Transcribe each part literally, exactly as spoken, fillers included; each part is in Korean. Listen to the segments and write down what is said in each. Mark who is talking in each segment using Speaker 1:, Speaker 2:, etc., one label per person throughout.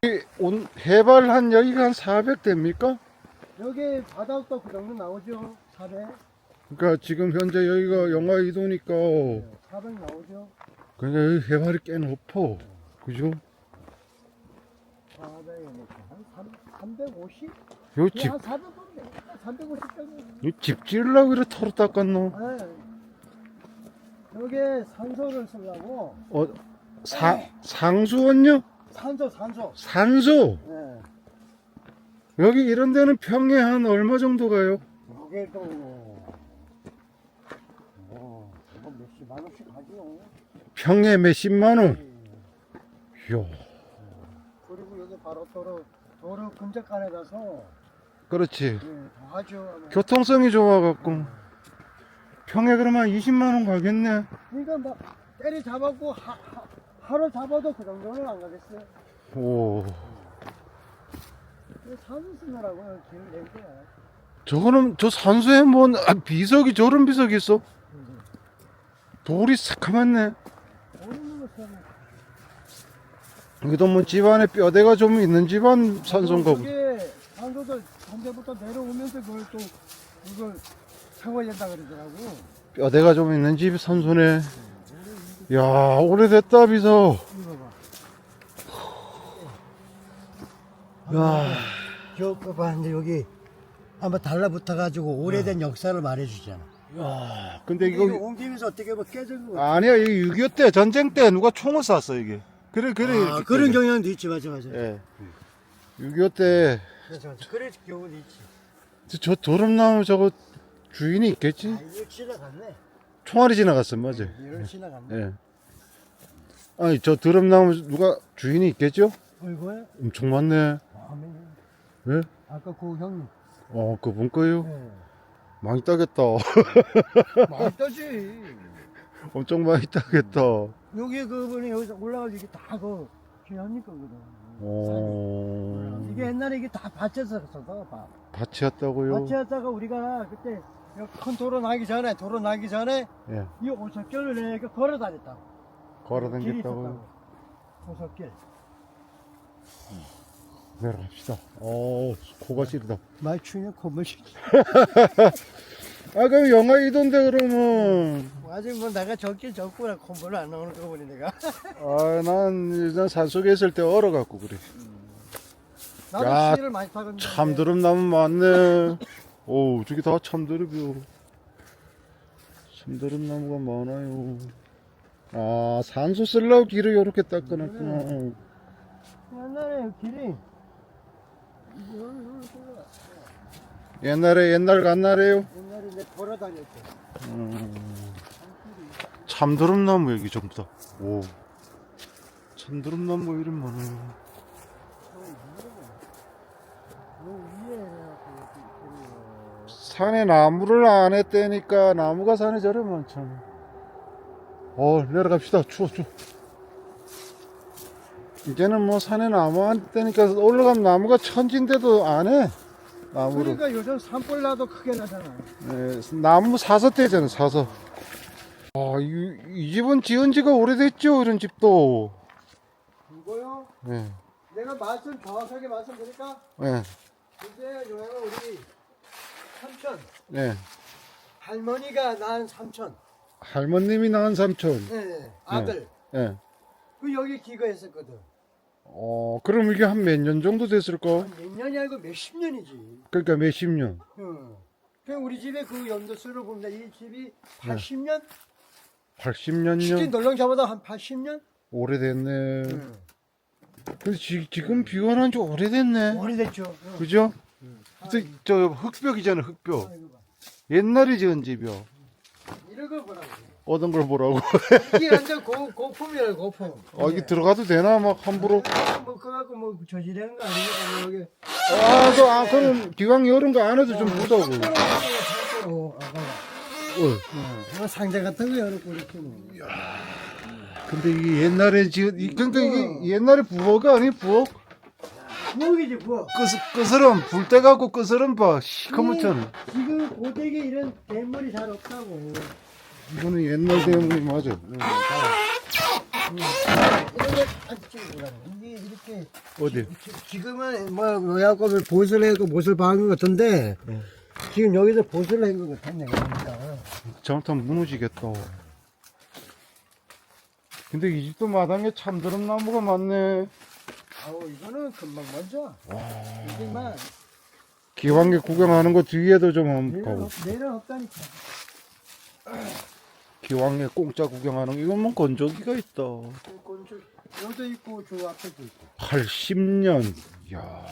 Speaker 1: 온 해발 한 여기가 한 사백 됩니까?
Speaker 2: 여기 바닥도 그 정도 나오죠. 사백.
Speaker 1: 그러니까 지금 현재 여기가 영하 이 도니까
Speaker 2: 네, 사백 나오죠.
Speaker 1: 그러니까 여기 해발이 꽤 높어. 그죠?
Speaker 2: 사백에 한 삼백오십?
Speaker 1: 요 집,
Speaker 2: 한 사백 건데. 삼백오십 정도.
Speaker 1: 요 집 지으려고 이래 털어 닦았노?
Speaker 2: 네. 여기 산소를 쓰려고.
Speaker 1: 어, 사, 상수원요?
Speaker 2: 산소, 산소.
Speaker 1: 산소?
Speaker 2: 네.
Speaker 1: 여기 이런 데는 평에 한 얼마 정도 가요?
Speaker 2: 이게 또, 뭐, 뭐 몇십만 원씩 하죠.
Speaker 1: 평에 몇십만 원? 이야.
Speaker 2: 그리고 여기 바로 도로, 도로 근접간에라서,
Speaker 1: 그렇지.
Speaker 2: 네, 더 하죠.
Speaker 1: 교통성이 좋아갖고. 평에 그러면 한 이십만 원 가겠네.
Speaker 2: 그러니까 막 때리 잡았고 하, 하, 하루 잡아도 그 정도는 안 가겠어요.
Speaker 1: 오.
Speaker 2: 산수 쓰느라고 길을 낸 거야.
Speaker 1: 저거는, 저 산소에 뭐, 아, 비석이, 저런 비석이 있어? 돌이 새카맣네.
Speaker 2: 모르는 거 쓰면.
Speaker 1: 여기도 뭐 집안에 뼈대가 좀 있는 집안 산소인가 보다.
Speaker 2: 그게 산소들 산대부터 내려오면서 그걸 또 그걸 채워야 된다 그러더라고.
Speaker 1: 뼈대가 좀 있는 집 산소네. 야, 오래됐다, 비석.
Speaker 2: 이거 봐.
Speaker 1: 야,
Speaker 2: 저거 봐, 이제 여기 한번 달라붙어가지고 오래된 역사를 말해주잖아.
Speaker 1: 야, 근데
Speaker 2: 이거
Speaker 1: 이거,
Speaker 2: 옮기면서 어떻게 뭐 깨진 거.
Speaker 1: 아니야, 이게 육이오 때, 전쟁 때 누가 총을 쐈어, 이게. 그래, 그래.
Speaker 2: 아,
Speaker 1: 이렇게
Speaker 2: 그런
Speaker 1: 때려.
Speaker 2: 경향도 있지, 맞아, 맞아.
Speaker 1: 예. 육이오 때,
Speaker 2: 맞아, 맞아. 그런 경우도 있지.
Speaker 1: 저, 저 도름나무 저거 주인이 있겠지?
Speaker 2: 아, 이거 지나갔네.
Speaker 1: 총알이 지나갔어, 맞아.
Speaker 2: 이걸 지나갔네.
Speaker 1: 예. 아니, 저 드럼나무 누가 주인이 있겠죠?
Speaker 2: 이거야?
Speaker 1: 엄청 많네.
Speaker 2: 아,
Speaker 1: 예?
Speaker 2: 아까 그 형님.
Speaker 1: 어, 그분 거요?
Speaker 2: 네.
Speaker 1: 많이 따겠다.
Speaker 2: 많이 떠지.
Speaker 1: 엄청 많이 따겠다.
Speaker 2: 여기 그분이 여기서 올라가서 이게 다그 기현님 거거든.
Speaker 1: 어,
Speaker 2: 이게 옛날에 이게 다 밭에서 썼어, 밭.
Speaker 1: 밭이었다고요?
Speaker 2: 밭에다가 우리가 그때 여기 큰 도로 나기 전에, 도로 나기 전에
Speaker 1: 예.
Speaker 2: 이 오솔길을 이렇게 걸어 다녔다고.
Speaker 1: 걸어
Speaker 2: 길이
Speaker 1: 다녔다고요?
Speaker 2: 있었다고. 오솔길.
Speaker 1: 내려갑시다. 어, 코가 시리다.
Speaker 2: 많이 추면 콧물이.
Speaker 1: 아, 그럼 영하 이 도인데 그러면.
Speaker 2: 아직 뭐 내가 적길 적구나 콧물 안 나오는 거 보니 내가.
Speaker 1: 아, 난, 난 산속에 있을 때 얼어갖고 그래.
Speaker 2: 나도
Speaker 1: 야,
Speaker 2: 시를 많이 타거든.
Speaker 1: 참드름 나무 많네. 오, 저기 다 참드름이요. 참드름 나무가 많아요. 아, 산소 쓰려고 길을 이렇게 닦아놨구나.
Speaker 2: 옛날에 길이
Speaker 1: 옛날에 옛날 간날에요.
Speaker 2: 옛날에 내 걸어 다녔어.
Speaker 1: 음, 참드름 나무 여기 전부 다. 오, 참드름 나무가 이름 많아요. 산에 나무를 안 했다니까 나무가 산에 저래 많잖아. 어, 내려갑시다. 추워, 추워. 이제는 뭐 산에 나무 안 했다니까 올라가면 나무가 천진데도 안 해. 나무를.
Speaker 2: 그러니까 요즘 산불 나도 크게 나잖아.
Speaker 1: 네, 나무 사서 떼잖아, 사서. 아, 이, 이 집은 지은 지가 오래됐죠, 이런 집도.
Speaker 2: 이거요?
Speaker 1: 네,
Speaker 2: 내가 말씀 정확하게 말씀드릴까?
Speaker 1: 네,
Speaker 2: 이제 요행은 우리 삼촌
Speaker 1: 네.
Speaker 2: 할머니가 낳은 삼촌.
Speaker 1: 할머님이 낳은 삼촌.
Speaker 2: 네, 아들.
Speaker 1: 네.
Speaker 2: 그 여기 기거했었거든.
Speaker 1: 어, 그럼 이게 한 몇 년 정도 됐을까?
Speaker 2: 몇 년이 아니고 몇십 년이지.
Speaker 1: 그러니까 몇십 년.
Speaker 2: 응. 그 우리 집에 그 연도수로 보면 이 집이 팔십 년?
Speaker 1: 팔십 년
Speaker 2: 치킨
Speaker 1: 년?
Speaker 2: 널렁잡아도 한 팔십 년?
Speaker 1: 오래됐네.
Speaker 2: 응.
Speaker 1: 근데 지, 지금 비가 난 지 오래됐네.
Speaker 2: 오래됐죠. 응.
Speaker 1: 그죠?
Speaker 2: 응.
Speaker 1: 근데 저 흙벽이잖아, 흙벽.
Speaker 2: 아, 이거 봐.
Speaker 1: 옛날에 지은 집이요.
Speaker 2: 이런 거 보라고.
Speaker 1: 어떤 걸 보라고.
Speaker 2: 이게 완전 고, 고품이라 고품.
Speaker 1: 아, 이게 들어가도 되나? 막 함부로.
Speaker 2: 아, 뭐 그거 갖고 뭐 저지르는 거 아니니까 뭐 여기.
Speaker 1: 아, 그, 아, 그럼 기왕 이런 거 안 해도 좀 보자고.
Speaker 2: 어, 아가.
Speaker 1: 어.
Speaker 2: 이거 상자 같은 거 열어놓고 이렇게 뭐.
Speaker 1: 근데 이게 옛날에 지은, 이- 그러니까 이게 옛날에 부엌가 아니, 부엌?
Speaker 2: 부엌이지 부엌.
Speaker 1: 끄스, 끄스름, 불 떼갖고 끄스름 봐. 시커멓잖아.
Speaker 2: 지금 고데기 이런 대물이 잘 없다고.
Speaker 1: 이거는 옛날 대문이 맞아.
Speaker 2: 응, 이런 거안 찍고 가는 이게 이렇게
Speaker 1: 어디?
Speaker 2: 지- 지금은 뭐 요약고 보슬 해고 보슬 박은 것 같은데
Speaker 1: 네.
Speaker 2: 지금 여기서 보슬 한것 같아 내가 보니까.
Speaker 1: 잘못하면 무너지겠다. 근데 이 집도 마당에 참드름 나무가 많네.
Speaker 2: 아우 이거는 금방 먼저. 이게만
Speaker 1: 기왕에 구경하는 거 뒤에도 좀 한번
Speaker 2: 내는
Speaker 1: 가고.
Speaker 2: 없, 내는 없다니까.
Speaker 1: 기왕에 공짜 구경하는 거. 이건 뭐 건조기가 있다.
Speaker 2: 꼰줄 여기도 있고 저 앞에도 있고.
Speaker 1: 팔십 년. 이야.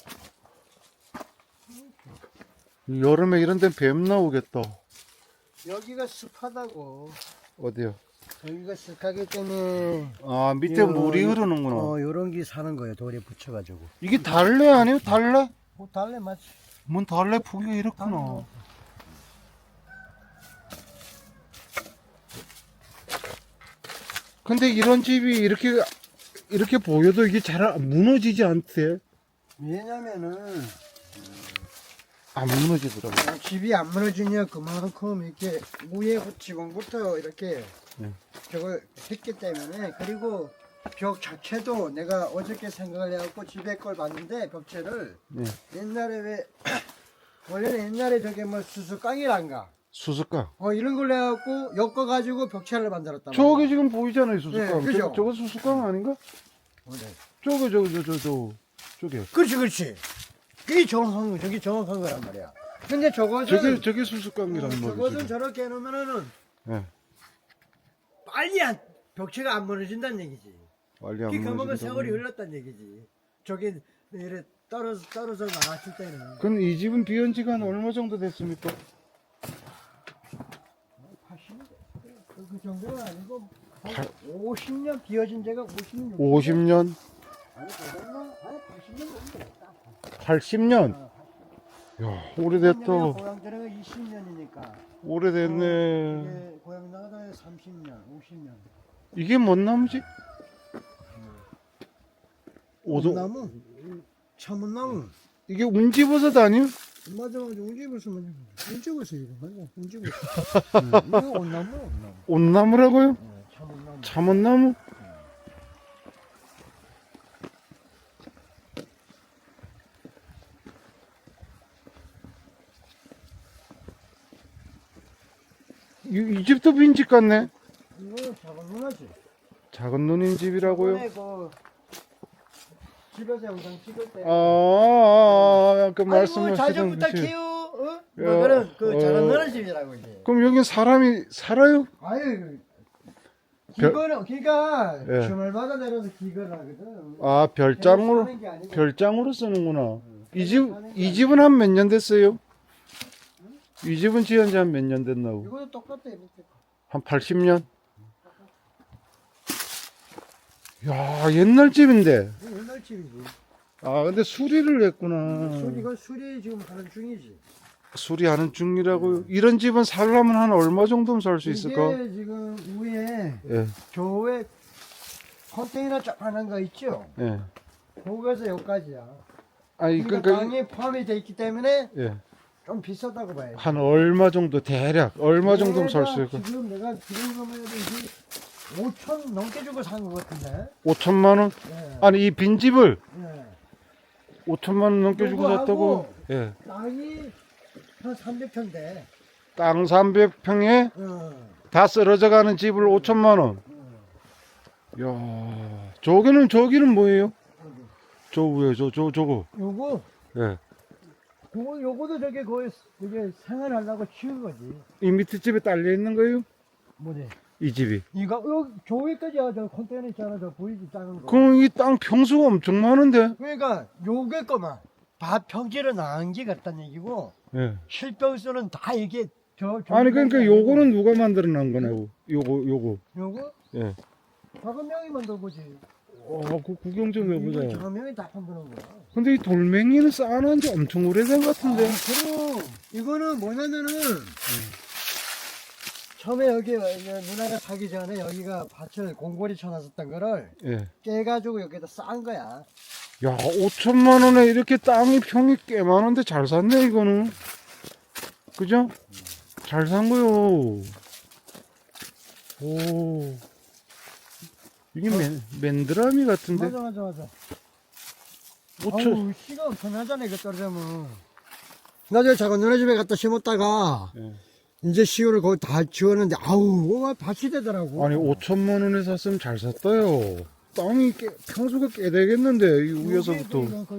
Speaker 1: 여름에 이런 데는 뱀 나오겠다.
Speaker 2: 여기가 습하다고.
Speaker 1: 어디요?
Speaker 2: 여기가 습하기 때문에
Speaker 1: 아, 밑에
Speaker 2: 요-
Speaker 1: 물이
Speaker 2: 요-
Speaker 1: 흐르는구나.
Speaker 2: 어 요런 게 사는 거예요. 돌에 붙여가지고.
Speaker 1: 이게 달래 아니에요? 달래?
Speaker 2: 뭐 달래 맞지?
Speaker 1: 뭔 달래 포기가 이렇구나. 근데 이런 집이 이렇게 이렇게 보여도 이게 잘 안- 무너지지 않대.
Speaker 2: 왜냐면은
Speaker 1: 안 무너지더라고.
Speaker 2: 어, 집이 안 무너지냐 그만큼 이렇게 위에 지붕부터 이렇게
Speaker 1: 네.
Speaker 2: 저걸 했기 때문에. 그리고 벽 자체도 내가 어저께 생각을 해갖고 집에 걸 봤는데 벽체를
Speaker 1: 네.
Speaker 2: 옛날에 왜 원래는 옛날에 저게 뭐 수수깡이란가
Speaker 1: 수수깡.
Speaker 2: 어 이런 걸 해갖고 엮어가지고 벽체를 만들었단
Speaker 1: 저게
Speaker 2: 말이야.
Speaker 1: 지금 보이잖아요, 수수깡.
Speaker 2: 네, 그죠?
Speaker 1: 저거, 저거 수수깡 아닌가?
Speaker 2: 원래.
Speaker 1: 저거 저거 저 저 저 저게.
Speaker 2: 그렇지 그렇지. 그게 정확한 거 저게 정확한 거란 말이야. 근데 저것은
Speaker 1: 저게 저게
Speaker 2: 어,
Speaker 1: 수수깡이란
Speaker 2: 저것은
Speaker 1: 말이지.
Speaker 2: 저렇게 해놓으면은
Speaker 1: 예.
Speaker 2: 빨리 안 벽체가 안 무너진다는 얘기지.
Speaker 1: 빨리 안
Speaker 2: 그게 그만큼
Speaker 1: 무너진다.
Speaker 2: 세월이 흘렀다는 얘기지. 저게 이래 떨어져 떨어져 나갔을 때는
Speaker 1: 그럼 이 집은 비온 지가 한 얼마 정도 됐습니까?
Speaker 2: 팔십 년 그, 그 정도는 아니고 한 오십 년 비어진 데가 오십 년
Speaker 1: 오십 년,
Speaker 2: 아니 그랬나? 아니 팔십 년 정도 됐다.
Speaker 1: 팔십 년. 야, 오래됐다.
Speaker 2: 고향 들어가 이십 년이니까.
Speaker 1: 오래됐네.
Speaker 2: 이게 고향 나가다 삼십 년, 오십 년.
Speaker 1: 이게 뭔 나무지? 오동.
Speaker 2: 나무, 참은나무.
Speaker 1: 이게 운지버섯 아니요?
Speaker 2: 맞아, 맞아. 운지버섯, 맞아. 운지버섯 이거 맞아. 운지버섯. 응, 이거 온나무, 온나무.
Speaker 1: 온나무라고요?
Speaker 2: 네, 참은나무.
Speaker 1: 참원나무? 이, 이 집도 빈집 같네.
Speaker 2: 이거 작은 누나지.
Speaker 1: 작은 누님 집이라고요?
Speaker 2: 이번에 그 집에서 영상 찍을 때.
Speaker 1: 아, 아, 아, 그
Speaker 2: 아이고,
Speaker 1: 말씀하시던
Speaker 2: 잘좀
Speaker 1: 그 집.
Speaker 2: 부탁해요. 어?
Speaker 1: 야,
Speaker 2: 뭐 그런 그
Speaker 1: 어.
Speaker 2: 작은 누나 집이라고 이제.
Speaker 1: 그럼 여기 사람이 살아요?
Speaker 2: 아유.
Speaker 1: 별-
Speaker 2: 기거는 기가
Speaker 1: 예.
Speaker 2: 주말마다 내려서 기거를 하거든.
Speaker 1: 아, 별장으로,
Speaker 2: 사는 게 아니고.
Speaker 1: 별장으로 쓰는구나. 이 집, 이 집은 한 몇 년 됐어요? 이 집은 지은 지 한 몇 년 됐나고?
Speaker 2: 이거도 똑같아 이렇게.
Speaker 1: 한 팔십 년? 야, 옛날 집인데.
Speaker 2: 이거 옛날 집이지.
Speaker 1: 아, 근데 수리를 했구나.
Speaker 2: 술 이거 술이 지금 하는 중이지.
Speaker 1: 수리하는 중이라고요? 이런 집은 살려면 한 얼마 정도면 살 수 있을까?
Speaker 2: 이게 지금 위에
Speaker 1: 예,
Speaker 2: 교회 컨테이너 쫙 하는 거 있죠?
Speaker 1: 예.
Speaker 2: 거기에서 여기까지야.
Speaker 1: 아니,
Speaker 2: 그러니까
Speaker 1: 그러니까,
Speaker 2: 땅에 포함이 돼 있기 때문에
Speaker 1: 예.
Speaker 2: 좀 비싸다고 봐야지.
Speaker 1: 한 얼마 정도, 대략, 얼마 정도면 살 수
Speaker 2: 내가
Speaker 1: 있을까?
Speaker 2: 지금 내가 지금 가면 이게 오천 넘게 주고 산 것 같은데.
Speaker 1: 오천만 원?
Speaker 2: 예.
Speaker 1: 아니, 이 빈집을
Speaker 2: 예.
Speaker 1: 오천만 원 넘게 주고
Speaker 2: 요거하고
Speaker 1: 샀다고? 예.
Speaker 2: 땅이 한 삼백 평대.
Speaker 1: 땅 삼백 평에
Speaker 2: 어.
Speaker 1: 다 쓰러져 가는 집을 오천만 원. 야, 저기는, 저기는 뭐예요? 저 위에, 저, 저, 저거.
Speaker 2: 요거
Speaker 1: 예.
Speaker 2: 그거 요거도 저게 거의 이게 생활하려고 치운 거지.
Speaker 1: 이 밑에 집에 딸려 있는 거예요?
Speaker 2: 뭐지?
Speaker 1: 이 집이.
Speaker 2: 이거 요 조개까지야 저 컨테이너 있잖아 저 보이지 작은 거.
Speaker 1: 그럼 이 땅 평수가 엄청 많은데?
Speaker 2: 그러니까 요게 거만 밭 평지를 나은 게 같다는 얘기고
Speaker 1: 예.
Speaker 2: 실병수는 다 이게 저
Speaker 1: 아니,
Speaker 2: 조개까지
Speaker 1: 그러니까
Speaker 2: 아니고
Speaker 1: 요거는 누가 만들어 놓은 거냐고. 요거, 요거.
Speaker 2: 요거
Speaker 1: 예.
Speaker 2: 작은 명이 만든 거지.
Speaker 1: 어, 그 구경 좀
Speaker 2: 이거
Speaker 1: 해보자.
Speaker 2: 작은 명이 다 만드는 거야.
Speaker 1: 근데 이 돌멩이는 쌓아놓은 지 엄청 오래된 것 같은데?
Speaker 2: 아, 그럼 이거는 뭐냐면은 처음에 여기 누나가 사기 전에 여기가 밭을 공고리 쳐놨었던 거를
Speaker 1: 예.
Speaker 2: 깨가지고 여기다 쌓은 거야.
Speaker 1: 야, 오천만 원에 이렇게 땅이 평이 꽤 많은데 잘 샀네, 이거는. 그죠? 잘 산 거요. 오. 이게 맨, 맨드라미 같은데?
Speaker 2: 맞아 맞아 맞아.
Speaker 1: 오천.
Speaker 2: 아우 씨가 엄청나잖아 이거 떨어지면. 나중에 작은 누나 집에 갖다 심었다가
Speaker 1: 예.
Speaker 2: 이제 시골을 거의 다 지웠는데 아우 와 밭이 되더라고.
Speaker 1: 아니, 오천만 원에 샀으면 잘 샀다요. 땅이 꽤, 평수가 꽤 되겠는데, 이 위에서부터.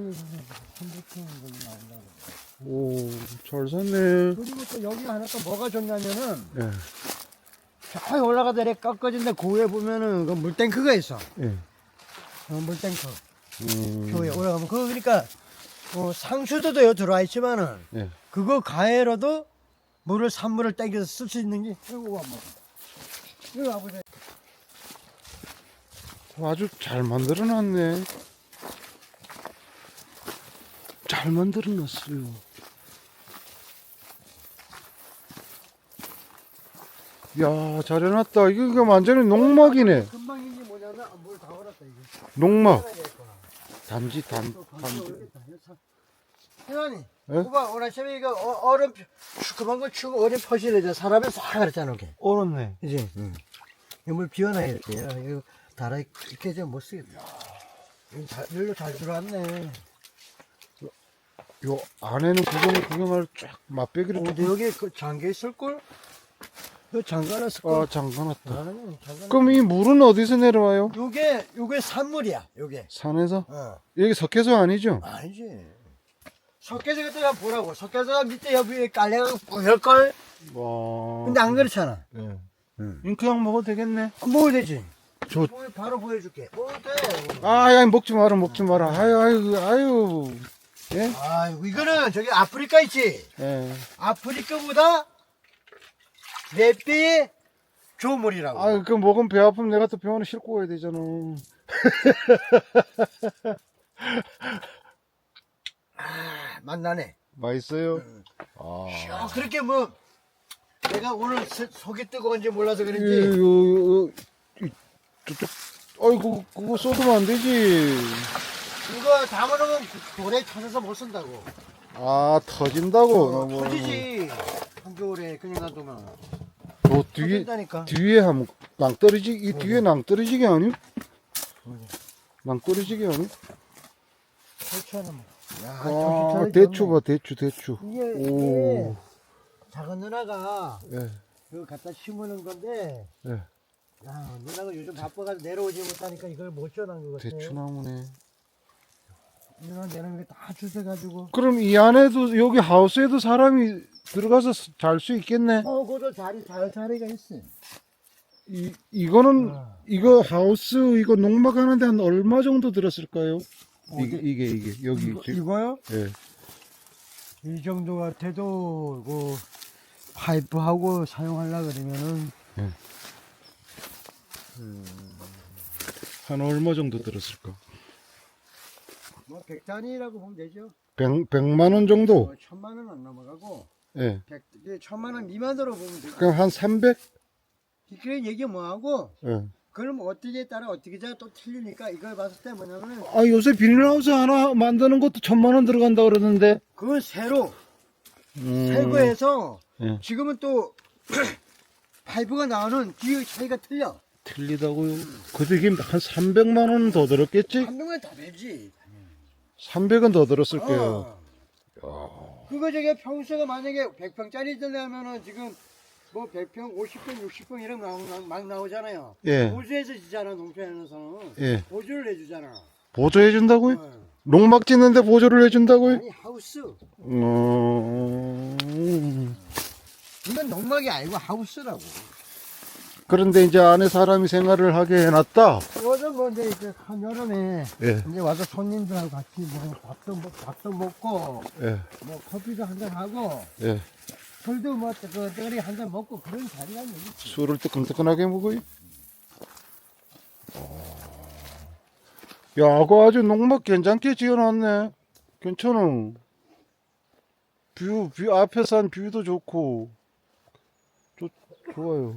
Speaker 1: 오, 잘 샀네.
Speaker 2: 그리고 또 여기 하나 또 뭐가 좋냐면은
Speaker 1: 예,
Speaker 2: 저 올라가다 이렇게 꺾어진데 그 위에 보면은 그 물탱크가 있어.
Speaker 1: 예.
Speaker 2: 어, 물탱크.
Speaker 1: 음,
Speaker 2: 그 위에 올라가면 그거 그러니까 어, 상수도도 여기 들어와 있지만은
Speaker 1: 예.
Speaker 2: 그거 가해로도 물을 산물을 땡겨서 쓸 수 있는 게 이거 와 뭐. 이거 와보세요.
Speaker 1: 아주 잘 만들어 놨네. 잘 만들어 놨어요. 야, 잘 해놨다. 이거, 이거 완전히 농막이네.
Speaker 2: 금방인지 뭐냐면 물 다 얼었다 이게.
Speaker 1: 농막. 단지, 단, 단지.
Speaker 2: 혜원이,
Speaker 1: 예?
Speaker 2: 오빠 오늘 아침에 이거 어- 얼음 펴- 그만 거 추고 얼음 퍼시래죠. 사람을 싹 그랬잖아 이게.
Speaker 1: 얼었네.
Speaker 2: 이제 응. 이물 비워놔야 이렇게. 야, 이거 달아 이렇게 좀 못 쓰겠다. 이거 잘, 일로 잘 들어왔네.
Speaker 1: 요 안에는 구경, 구경할 쫙 맛배기를
Speaker 2: 어,
Speaker 1: 쫙.
Speaker 2: 근데 여기 그 잠겨 있을 걸? 이거 잠가놨을 걸?
Speaker 1: 아, 잠가놨다.
Speaker 2: 아니, 잠가놨.
Speaker 1: 그럼 이 물은 어디서 내려와요?
Speaker 2: 요게 요게 산물이야. 요게.
Speaker 1: 산에서?
Speaker 2: 어.
Speaker 1: 여기 석회소 아니죠?
Speaker 2: 아니지. 석회서 그때 보라고. 석회서가 밑에 옆에 깔려가 뿌열 걸.
Speaker 1: 와.
Speaker 2: 근데 안 그렇잖아.
Speaker 1: 예.
Speaker 2: 응.
Speaker 1: 이 그냥 먹어도 되겠네.
Speaker 2: 먹어도 되지.
Speaker 1: 저,
Speaker 2: 보여- 바로 보여줄게. 먹어도 돼.
Speaker 1: 아, 야, 먹지 마라, 먹지 마라. 아유, 아유, 아유. 예?
Speaker 2: 아이고 이거는 저기 아프리카 있지.
Speaker 1: 예.
Speaker 2: 아프리카보다 네 배의 조물이라고.
Speaker 1: 아유, 그 먹으면 배 아프면 내가 또 병원에 싣고 가야 되잖아.
Speaker 2: 아, 맛나네.
Speaker 1: 맛있어요? 아.
Speaker 2: 어, 그렇게 뭐 내가 오늘 서- 속이 뜨거운지 몰라서
Speaker 1: 이,
Speaker 2: 그런지
Speaker 1: 요, 요, 이, 저쪽, 아이고, 그거 쏟으면 안 되지.
Speaker 2: 이거 담아놓으면 돌에 터져서 못 쓴다고.
Speaker 1: 아, 터진다고?
Speaker 2: 어,
Speaker 1: 너무.
Speaker 2: 터지지. 한겨울에 그냥 놔두면
Speaker 1: 저 뒤에,
Speaker 2: 터진다니까.
Speaker 1: 뒤에 하면 낭떠러지, 이 뒤에 낭떠러지게 아니요? 낭떠러지게 아니요?
Speaker 2: 설치하는 뭐. 야,
Speaker 1: 아,
Speaker 2: 정신 차리지
Speaker 1: 대추
Speaker 2: 않네.
Speaker 1: 봐, 대추, 대추.
Speaker 2: 이게,
Speaker 1: 오.
Speaker 2: 이게 작은 누나가
Speaker 1: 예,
Speaker 2: 이거 갖다 심으는 건데
Speaker 1: 예.
Speaker 2: 야, 누나가 요즘 바빠가지고 내려오지 못하니까 이걸 못 전한 것 같아.
Speaker 1: 대추나무네.
Speaker 2: 누나 내는 게 다 주워가지고.
Speaker 1: 그럼 이 안에도, 여기 하우스에도 사람이 들어가서 잘 수 있겠네?
Speaker 2: 어, 그것도 자리, 잘 자리가 있어.
Speaker 1: 이, 이거는,
Speaker 2: 아.
Speaker 1: 이거 하우스, 이거 농막 하는데 한 얼마 정도 들었을까요? 이게,
Speaker 2: 어디?
Speaker 1: 이게, 이게, 여기.
Speaker 2: 이거,
Speaker 1: 지금.
Speaker 2: 이거요?
Speaker 1: 예.
Speaker 2: 이 정도 같아도 그 파이프하고 사용하려 그러면은
Speaker 1: 한 얼마 정도 들었을까?
Speaker 2: 뭐 백단위라고 보면 되죠.
Speaker 1: 백, 백만 원 정도?
Speaker 2: 어, 천만 원 안 넘어가고
Speaker 1: 예.
Speaker 2: 백, 이게 천만 원 미만으로 보면 되죠.
Speaker 1: 그럼 한 삼백?
Speaker 2: 그런 얘기 뭐 하고
Speaker 1: 예.
Speaker 2: 그럼 어떻게 따라 어떻게 자 또 틀리니까 이걸 봤을 때 뭐냐면은
Speaker 1: 아, 요새 비닐하우스 하나 만드는 것도 천만 원 들어간다 그러는데.
Speaker 2: 그건 새로
Speaker 1: 음.
Speaker 2: 새거에서
Speaker 1: 예.
Speaker 2: 지금은 또 파이프가 나오는 뒤의 차이가 틀려.
Speaker 1: 틀리다고요? 그래도 이게 한 삼백만 원 더 들었겠지?
Speaker 2: 한 명은 다 되지.
Speaker 1: 삼백은 더 들었을 거예요.
Speaker 2: 어. 그거 저게 평수가 만약에 백 평짜리 들려면은 지금 뭐 백 평, 오십 평, 육십 평 이런 거 나오, 막 나오잖아요.
Speaker 1: 예.
Speaker 2: 보조해서 지잖아, 농촌에서는.
Speaker 1: 예.
Speaker 2: 보조를 해주잖아.
Speaker 1: 보조해 준다고요?
Speaker 2: 어.
Speaker 1: 농막 짓는데 보조를 해 준다고요?
Speaker 2: 아니, 하우스.
Speaker 1: 음.
Speaker 2: 이건 농막이 아니고 하우스라고.
Speaker 1: 그런데 이제 안에 사람이 생활을 하게 해놨다.
Speaker 2: 요즘 뭐 이제 그 한여름에
Speaker 1: 예.
Speaker 2: 이제 와서 손님들하고 같이 뭐 밥도, 먹, 밥도 먹고
Speaker 1: 예.
Speaker 2: 뭐 커피도 한잔 하고
Speaker 1: 예.
Speaker 2: 술도 뭐 그 떠리 한잔 먹고 그런 자리가 있지.
Speaker 1: 술을 뜨끈뜨끈하게 먹어요. 어. 야, 그거 아주 농막 괜찮게 지어놨네. 괜찮아. 뷰, 뷰, 앞에서 한 뷰도 좋고. 좋, 좋아요.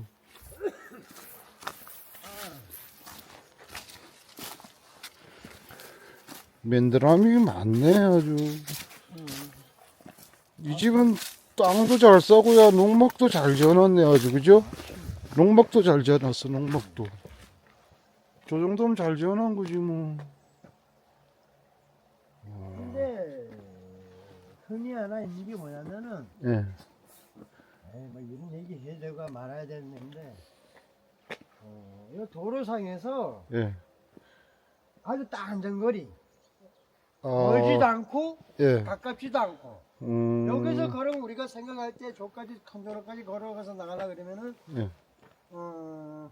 Speaker 1: 맨드라미 많네, 아주. 이 집은 땅도 잘 싸고야, 농막도 잘 지어놨네, 아주, 그죠? 농막도 잘 지어놨어, 농막도. 저 정도면 잘 지어놓은 거지 뭐.
Speaker 2: 근데 흔히 하나 있는 게 뭐냐면은
Speaker 1: 예.
Speaker 2: 에이, 뭐 이런 얘기 해야 되고 말아야 되는데 어, 이 도로상에서
Speaker 1: 예.
Speaker 2: 아주 딱 안전거리
Speaker 1: 아,
Speaker 2: 멀지도 않고
Speaker 1: 예.
Speaker 2: 가깝지도 않고
Speaker 1: 음.
Speaker 2: 여기서 걸으면 우리가 생각할 때 저까지 컨도로까지 걸어가서 나가려 그러면은
Speaker 1: 예.
Speaker 2: 어,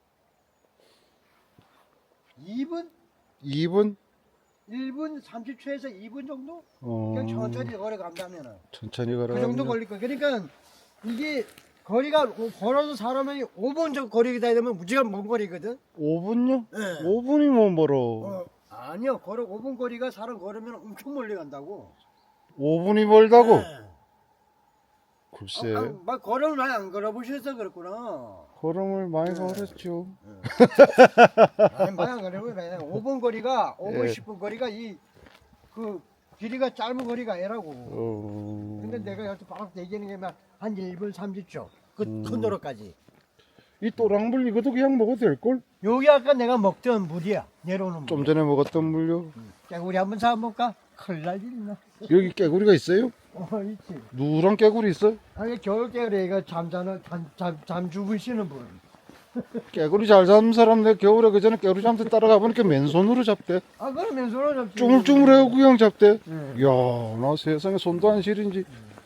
Speaker 2: 이 분?
Speaker 1: 이 분?
Speaker 2: 일 분 삼십 초에서 이 분 정도?
Speaker 1: 어.
Speaker 2: 그냥 천천히 걸어간다면은
Speaker 1: 천천히
Speaker 2: 그
Speaker 1: 걸어가면.
Speaker 2: 정도 걸릴 거야. 그러니까 이게 거리가 걸어서 사람이 오 분 정도 거리다 되면 무지간 먼 거리거든.
Speaker 1: 오 분요?
Speaker 2: 네.
Speaker 1: 오 분이 뭐 멀어.
Speaker 2: 어, 아니요. 걸어 오 분 거리가 사람 걸으면 엄청 멀리 간다고.
Speaker 1: 오 분이 멀다고?
Speaker 2: 네.
Speaker 1: 글쎄.
Speaker 2: 아, 아, 막 걸음을 많이 안 걸어보셔서 그렇구나.
Speaker 1: 걸음을 많이
Speaker 2: 네.
Speaker 1: 걸었죠.
Speaker 2: 아니, 많이 안 걸어보면 그냥 오 분 거리가 오 분
Speaker 1: 예.
Speaker 2: 십 분 거리가 이 그 길이가 짧은 거리가 아니라고.
Speaker 1: 어.
Speaker 2: 근데 내가 여기서 바로 얘기하는 게 막 한 일 분 삼십 초. 그
Speaker 1: 음.
Speaker 2: 큰 도로까지.
Speaker 1: 이 또랑물 이것도 그냥 먹어도 될걸?
Speaker 2: 여기 아까 내가 먹던 물이야. 내려오는 물.
Speaker 1: 좀 전에 먹었던 물요.
Speaker 2: 깨구리 한번 사볼까? 큰일 날 일 있나?
Speaker 1: 여기 깨구리가 있어요?
Speaker 2: 어, 있지.
Speaker 1: 누런 깨구리 있어?
Speaker 2: 아니, 겨울 깨구리가 잠자는, 잠, 잠, 잠 주무시는 분.
Speaker 1: 깨구리 잘 잡는 사람 내 겨울에 그 전에 깨구리 잡는 데 따라가 보니까 맨손으로 잡대.
Speaker 2: 아, 그럼 맨손으로 잡지.
Speaker 1: 쪼물쪼물해고 그냥 잡대.
Speaker 2: 응.
Speaker 1: 이야, 나 세상에 손도 안 시린지.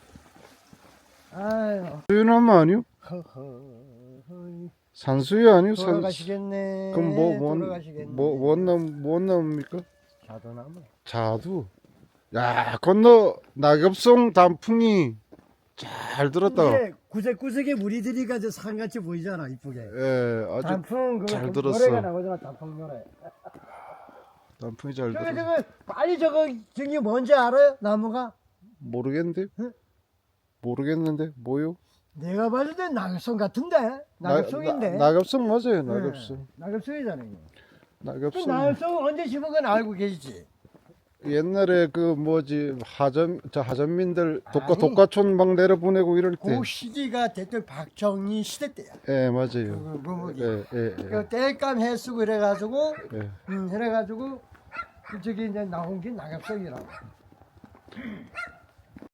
Speaker 2: 아유,
Speaker 1: 수유나무 아니요?
Speaker 2: 허허.
Speaker 1: 산수유 아니요? 산-
Speaker 2: 돌아가시겠네.
Speaker 1: 그럼 뭐, 뭔,
Speaker 2: 돌아가시겠네.
Speaker 1: 뭐, 뭔 나무, 뭔 나무입니까?
Speaker 2: 자도나무.
Speaker 1: 자두. 야, 건너 낙엽송 단풍이 잘 들었다.
Speaker 2: 이게 구석구석에 물이 들이가지고 산같이 보이잖아, 이쁘게.
Speaker 1: 예, 아주
Speaker 2: 단풍, 그,
Speaker 1: 잘
Speaker 2: 그
Speaker 1: 들었어.
Speaker 2: 노래가 나오잖아, 단풍 노래.
Speaker 1: 단풍이 잘
Speaker 2: 저거,
Speaker 1: 들었어.
Speaker 2: 저거, 빨리 저거, 저기 뭔지 알아요? 나무가?
Speaker 1: 모르겠는데?
Speaker 2: 응?
Speaker 1: 모르겠는데? 뭐요?
Speaker 2: 내가 봤을 땐 낙엽송 같은데? 낙엽송인데?
Speaker 1: 나, 낙엽송 맞아요, 낙엽송.
Speaker 2: 네, 낙엽송이잖아요. 그
Speaker 1: 낙엽송.
Speaker 2: 낙엽송 언제 심은 건 알고 계시지?
Speaker 1: 옛날에 그 뭐지 하전 저 하전민들 독가
Speaker 2: 아니.
Speaker 1: 독가촌 막 내려보내고 이럴 때.
Speaker 2: 그 시기가 대통령 박정희 시대 때야.
Speaker 1: 예,
Speaker 2: 그,
Speaker 1: 맞아요.
Speaker 2: 그, 그,
Speaker 1: 예, 예, 예.
Speaker 2: 그 땔감 해쓰고 이래가지고,
Speaker 1: 예.
Speaker 2: 음, 이래가지고, 그 저기 이제 나온 게 낙엽송이라고.